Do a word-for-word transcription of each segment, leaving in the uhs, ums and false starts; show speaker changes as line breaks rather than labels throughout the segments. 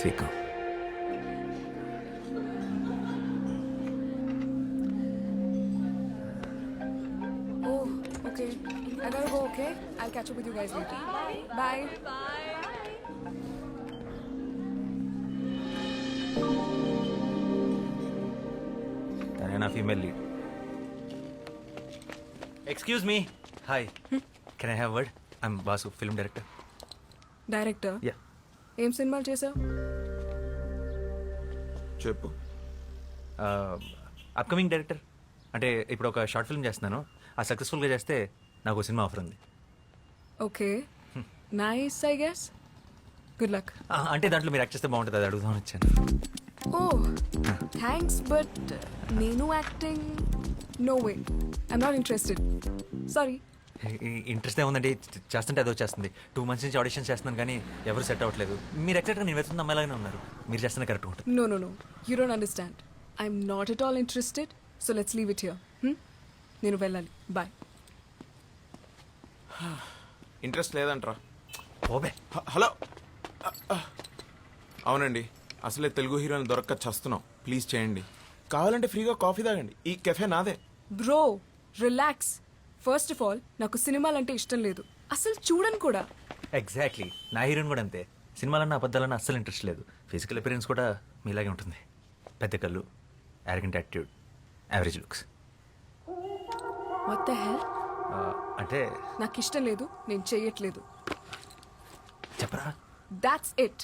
స్వీకం.
Oh, okay. I gotta go, okay? I'll catch up with you guys later. Bye. Bye.
తనే నా female lead. Excuse me. Hi, can I have word? I'm Basu, film director.
Director?
Yeah.
ఏం సినిమాలు చేసావు?
చెప్పు.
Upcoming director. అంటే ఇప్పుడు ఒక short film చేస్తున్నాను. ఆ సక్సెస్ఫుల్గా చేస్తే నాకు ఒక సినిమా ఆఫర్ ఉంది.
Okay, nice I guess. Good luck.
అంటే దాంట్లో మీరు యాక్ట్ చేస్తే బాగుంటుంది, అది అడుగుదామని వచ్చాను.
ఓ థ్యాంక్స్, బట్ నేను acting no way. I'm not interested, sorry.
Interest ఏముందండి, చేస్తుంటే అదో చేస్తుంది. టూ మంత్స్ నుంచి ఆడిషన్ చేస్తున్నాను కానీ ఎవరు సెట్ అవ్వట్లేదు. మీరు ఎక్సాక్ట్గా నేను వెళ్తున్న అమ్మాయిలాగానే ఉన్నారు. మీరు చేస్తున్న కరెక్ట్ ఉంటుంది.
No no no, you don't understand. I'm not at all interested, so let's leave it here. నేను వెళ్ళాలి, బాయ్.
ఇంట్రెస్ట్ లేదంట్రా?
ఓబే.
హ- హలో అవునండి, అసలే తెలుగు హీరోని దొరక్క చస్తున్నాం. ప్లీజ్ చేయండి. కావాలంటే ఫ్రీగా కాఫీ తాగండి. ఈ కెఫే నాదే.
Bro relax. First of all నాకు సినిమాలంటే ఇష్టం లేదు, అసలు చూడను కూడా.
ఎగ్జాక్ట్లీ, నా హీరోయిన్ కూడా అంతే. సినిమాలన్నా అబద్ధాలన్నా అస్సలు ఇంట్రెస్ట్ లేదు. ఫిజికల్ అపిరెన్స్ కూడా మీలాగే ఉంటుంది. పెద్ద కళ్ళు, arrogant attitude, average looks.
What the hell?
అంటే
నాకు ఇష్టం లేదు, నేను చెయ్యట్లేదు.
చెప్పరా?
That's it.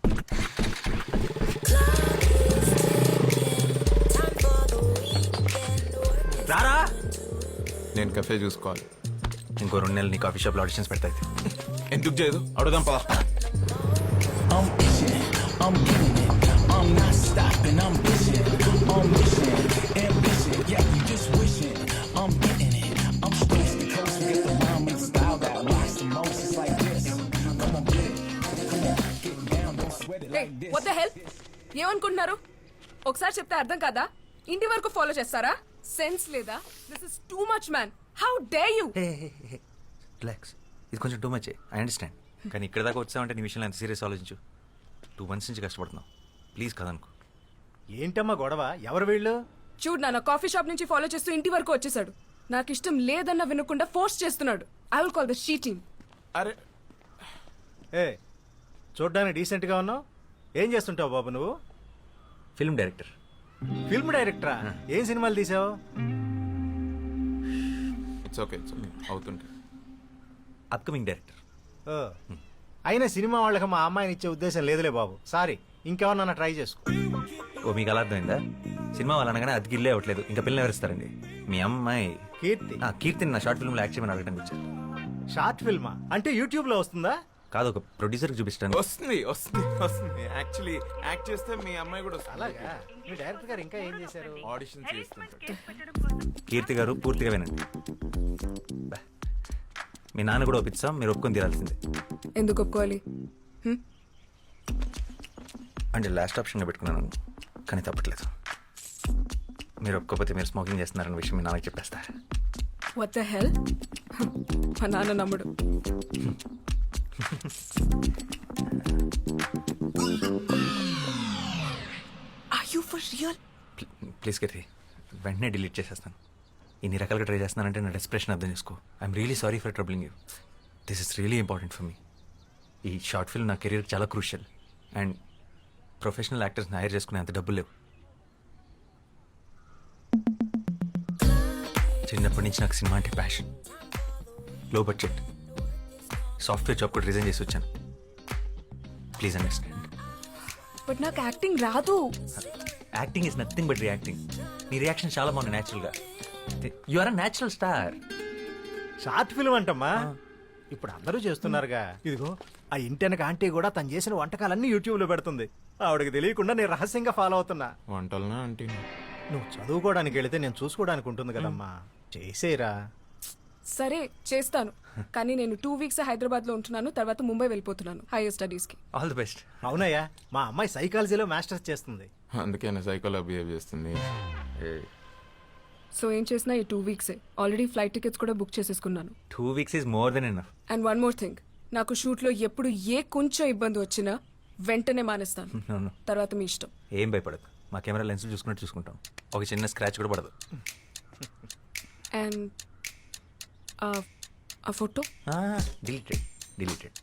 రారా.
నేను కెఫే చూసుకోవాలి.
ఇంకో రెండు నెలలు నీ కాఫీ షాప్లో ఆడిషన్స్ పెడతాయి.
ఎందుకు చేయదు? అడుగుదాం పదా.
I'm itching, I'm getting it, I'm not stopping, I'm pushing, I'm wishing, ambition, yeah, you just wishing, I'm getting it, I'm stressed to coast, get the rhyme and the style that rocks the most, it's like this, come on get it, come on, get down, don't sweat it like this.
What the hell? ఏమనుకుంటున్నారు? ఒకసారి చెప్తే అర్థం కాదా? ఇంటి వరకు follow చేస్తారా? Sense లేదా? This is too much man. How dare you?
Relax, ఇది కొంచెం టూ మచ్. I understand. కానీ ఇక్కడ దాకా వచ్చామంటే నీ విషయంలో ఎంత సీరియస్ ఆలోచించు. టూ మంత్స్ నుంచి కష్టపడుతున్నావు. ప్లీజ్ కదనుకో.
ఏంటమ్మా గొడవ? ఎవరు వీళ్ళు?
చూడు నాన్న, కాఫీ షాప్ నుంచి ఫాలో చేస్తూ ఇంటి వరకు వచ్చేసాడు. నాకు ఇష్టం లేదన్న వినకుండా ఫోర్స్ చేస్తున్నాడు. I will call the she team.
అరే
ఏ చూడ్డానికి డీసెంట్గా ఉన్నావు. ఏం చేస్తుంటావు బాబు నువ్వు?
Film director.
ఫిల్మ్ డైరెక్టరా? ఏం సినిమాలు తీసావు?
It's okay, it's okay. అవుతుంటే
అప్కమింగ్ డైరెక్టర్.
ఓ, అయినా సినిమా వాళ్ళకి మా అమ్మాయిని ఇచ్చే ఉద్దేశం లేదులే బాబు. సారీ, ఇంకెవరన్నా ట్రై చేసుకో.
ఓ, మీకు అలా అర్థమైందా? సినిమా వాళ్ళు అనగానే అది గిల్లే అవ్వట్లేదు. ఇంకా పిల్లలు ఎవరిస్తారండి? మీ అమ్మాయి
కీర్తి.
ఆ, కీర్తిని నా షార్ట్ ఫిల్మ్లో యాక్ట్ చేయమని అడగడానికి వచ్చారు.
షార్ట్ ఫిల్మా? అంటే యూట్యూబ్లో వస్తుందా?
కాదు, ఒక ప్రొడ్యూసర్కి చూపిస్తాను.
వస్తుంది వస్తుంది వస్తుంది. యాక్చువల్లీ యాక్ట్ చేస్తే మీ అమ్మాయి కూడా వస్తుంది.
అలాగా? మీ డైరెక్టర్ గారు ఇంకా ఏం చేశారు?
ఆడిషన్ చేస్తుంటాడు.
కీర్తి గారు పూర్తిగా వినండి. బా. మీ నాన్న కూడా ఒప్పిస్తాం, మీరు ఒప్పుకొని తీరాల్సిందే.
ఎందుకు ఒప్పుకోవాలి? హ్మ్?
అంటే లాస్ట్ ఆప్షన్గా పెట్టుకున్నాను, కానీ తప్పట్లేదు. మీరు ఒప్పుకోకపోతే మీరు స్మోకింగ్ చేస్తున్నారన్న విషయం మీ నాన్నకి చెప్పేస్తారు.
What the hell? మా నాన్న నమ్ముడు. Are you for real?
Please Keerthi, వెంటనే డిలీట్ చేసేస్తాను. ఇన్ని రకాలుగా ట్రై చేస్తున్నానంటే నా డెస్ప్రెషన్ అర్థం చేసుకో. I'm really sorry for troubling you. This is really important for me. ఈ షార్ట్ ఫిల్మ్ నా కెరీర్ చాలా క్రూషియల్. అండ్ ప్రొఫెషనల్ యాక్టర్స్ని హైర్ చేసుకునే అంత డబ్బులు లేవు. చిన్నప్పటి నుంచి నాకు సినిమా అంటే passion. Low budget software job కూడా రిజైన్ చేసి వచ్చాను. Please understand.
బట్ నాకు యాక్టింగ్ రాదు.
Acting is nothing but reacting. నీ రియాక్షన్ చాలా బాగుంది న్యాచురల్గా. You are a natural star.
Short film అంటమ్మా, ఇప్పుడు అందరూ చేస్తున్నారుగా. ఇదిగో ఆ ఇంటెనక ఆంటీ కూడా తను చేసిన వంటకాలన్నీ యూట్యూబ్లో పెడుతుంది. ఆవిడకి తెలియకుండా నేను రహస్యంగా ఫాలో అవుతున్నా.
వంటలనా అంటే
నువ్వు చదువుకోవడానికి వెళితే నేను చూసుకోవడానికి ఉంటుంది కదమ్మా. చేసేరా.
సరే చేస్తాను, కానీ నేను టూ వీక్స్ హైదరాబాద్ లో ఉంటున్నాను. తర్వాత ముంబై వెళ్ళిపోతున్నాను హైయర్ స్టడీస్ కి.
All the best.
అవునయ్యా, మా అమ్మాయి సైకాలజీలో మాస్టర్స్ చేస్తుంది.
అందుకే నా సైకోలా బిహేవ్ చేస్తుంది.
సో ఏం చేసినా ఈ టూ వీక్సే. ఆల్రెడీ ఫ్లైట్ టికెట్స్ కూడా బుక్ చేసేసుకున్నాను.
Two weeks is more than enough.
And one more thing, నాకు షూట్లో ఎప్పుడు ఏ కొంచెం ఇబ్బంది వచ్చినా వెంటనే మానేస్తాను
No, no.
తర్వాత మీ ఇష్టం.
ఏం భయపడదు, మా కెమెరా లెన్స్ చూసుకున్నట్టు చూసుకుంటాం. ఒక చిన్న స్క్రాచ్ కూడా పడదు.
అండ్ ఆ ఫోటో
డిలీటెడ్ డిలీటెడ్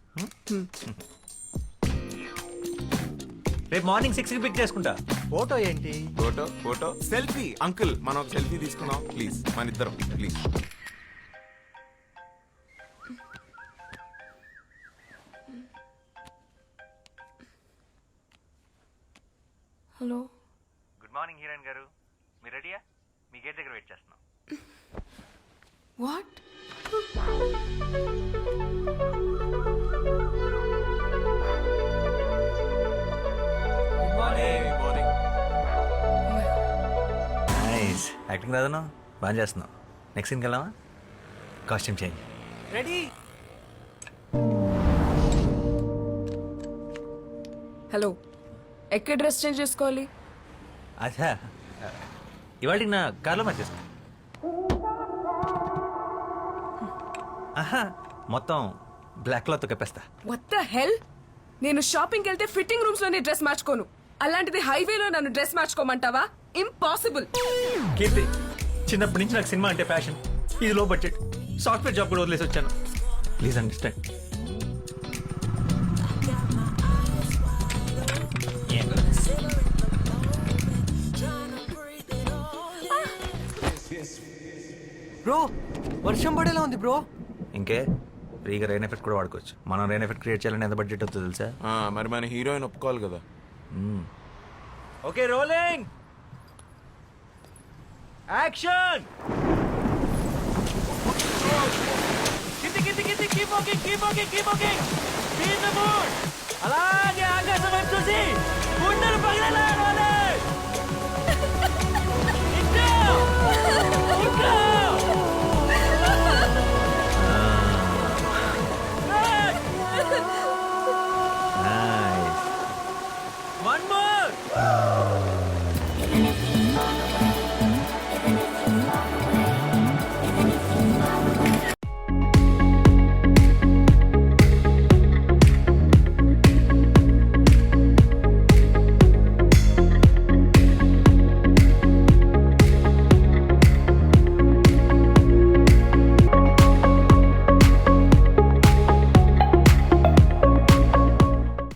రేపు మార్నింగ్ సిక్స్కి పిక్ చేసుకుంటా.
ఫోటో ఏంటి?
Photo photo selfie. అంకుల్ మనం ఒక సెల్ఫీ తీసుకుందాం ప్లీజ్, మన ఇద్దరం please.
Hello.
Good morning heroine గారు, మీరు రెడీయా? మీ గేట్ దగ్గర వెయిట్ చేస్తున్నాం.
వాట్?
నైస్ యాక్టింగ్ రాదను బాగా చేస్తున్నావు. నెక్స్ట్ సీన్కి వెళ్దామా? Costume change.
రెడీ.
హలో, ఎక్కడ డ్రెస్ చేంజ్ చేసుకోవాలి?
అచ్చా, ఇవాళ నా కార్లో మార్చేస్తా. ఆహా, మొత్తం బ్లాక్ క్లాత్ కప్పేస్తా.
What the hell? నేను షాపింగ్కి వెళ్తే ఫిట్టింగ్ రూమ్స్ లోనే డ్రెస్ మార్చుకోను. అలాంటిది హైవేలో నన్ను డ్రెస్ మార్చుకోమంటావా? ఇంపాసిబుల్.
కీర్తి, చిన్నప్పటి నుంచి నాకు సినిమా అంటే ప్యాషన్. ఇది లో బడ్జెట్, సాఫ్ట్వేర్ జాబ్ కూడా వదిలేసి వచ్చాను. Please understand.
బ్రో వర్షం పడేలా ఉంది బ్రో.
ఇంకే ఫ్రీగా రెయిన్ ఎఫెక్ట్ కూడా వాడుకోవచ్చు. మనం రెయిన్ ఎఫెక్ట్ క్రియేట్ చేయాలని ఎంత బడ్జెట్ అవుతుందో తెలుసా?
ఆ, మరి మన హీరోయిన్ ఒప్పుకోవాలి కదా.
Okay, rolling action.
కింది కింది కింది keep walking keep walking keep walking be in the mood. అలాగే ఆకాశం వైపు చూసి గుండెలు పగిలేలా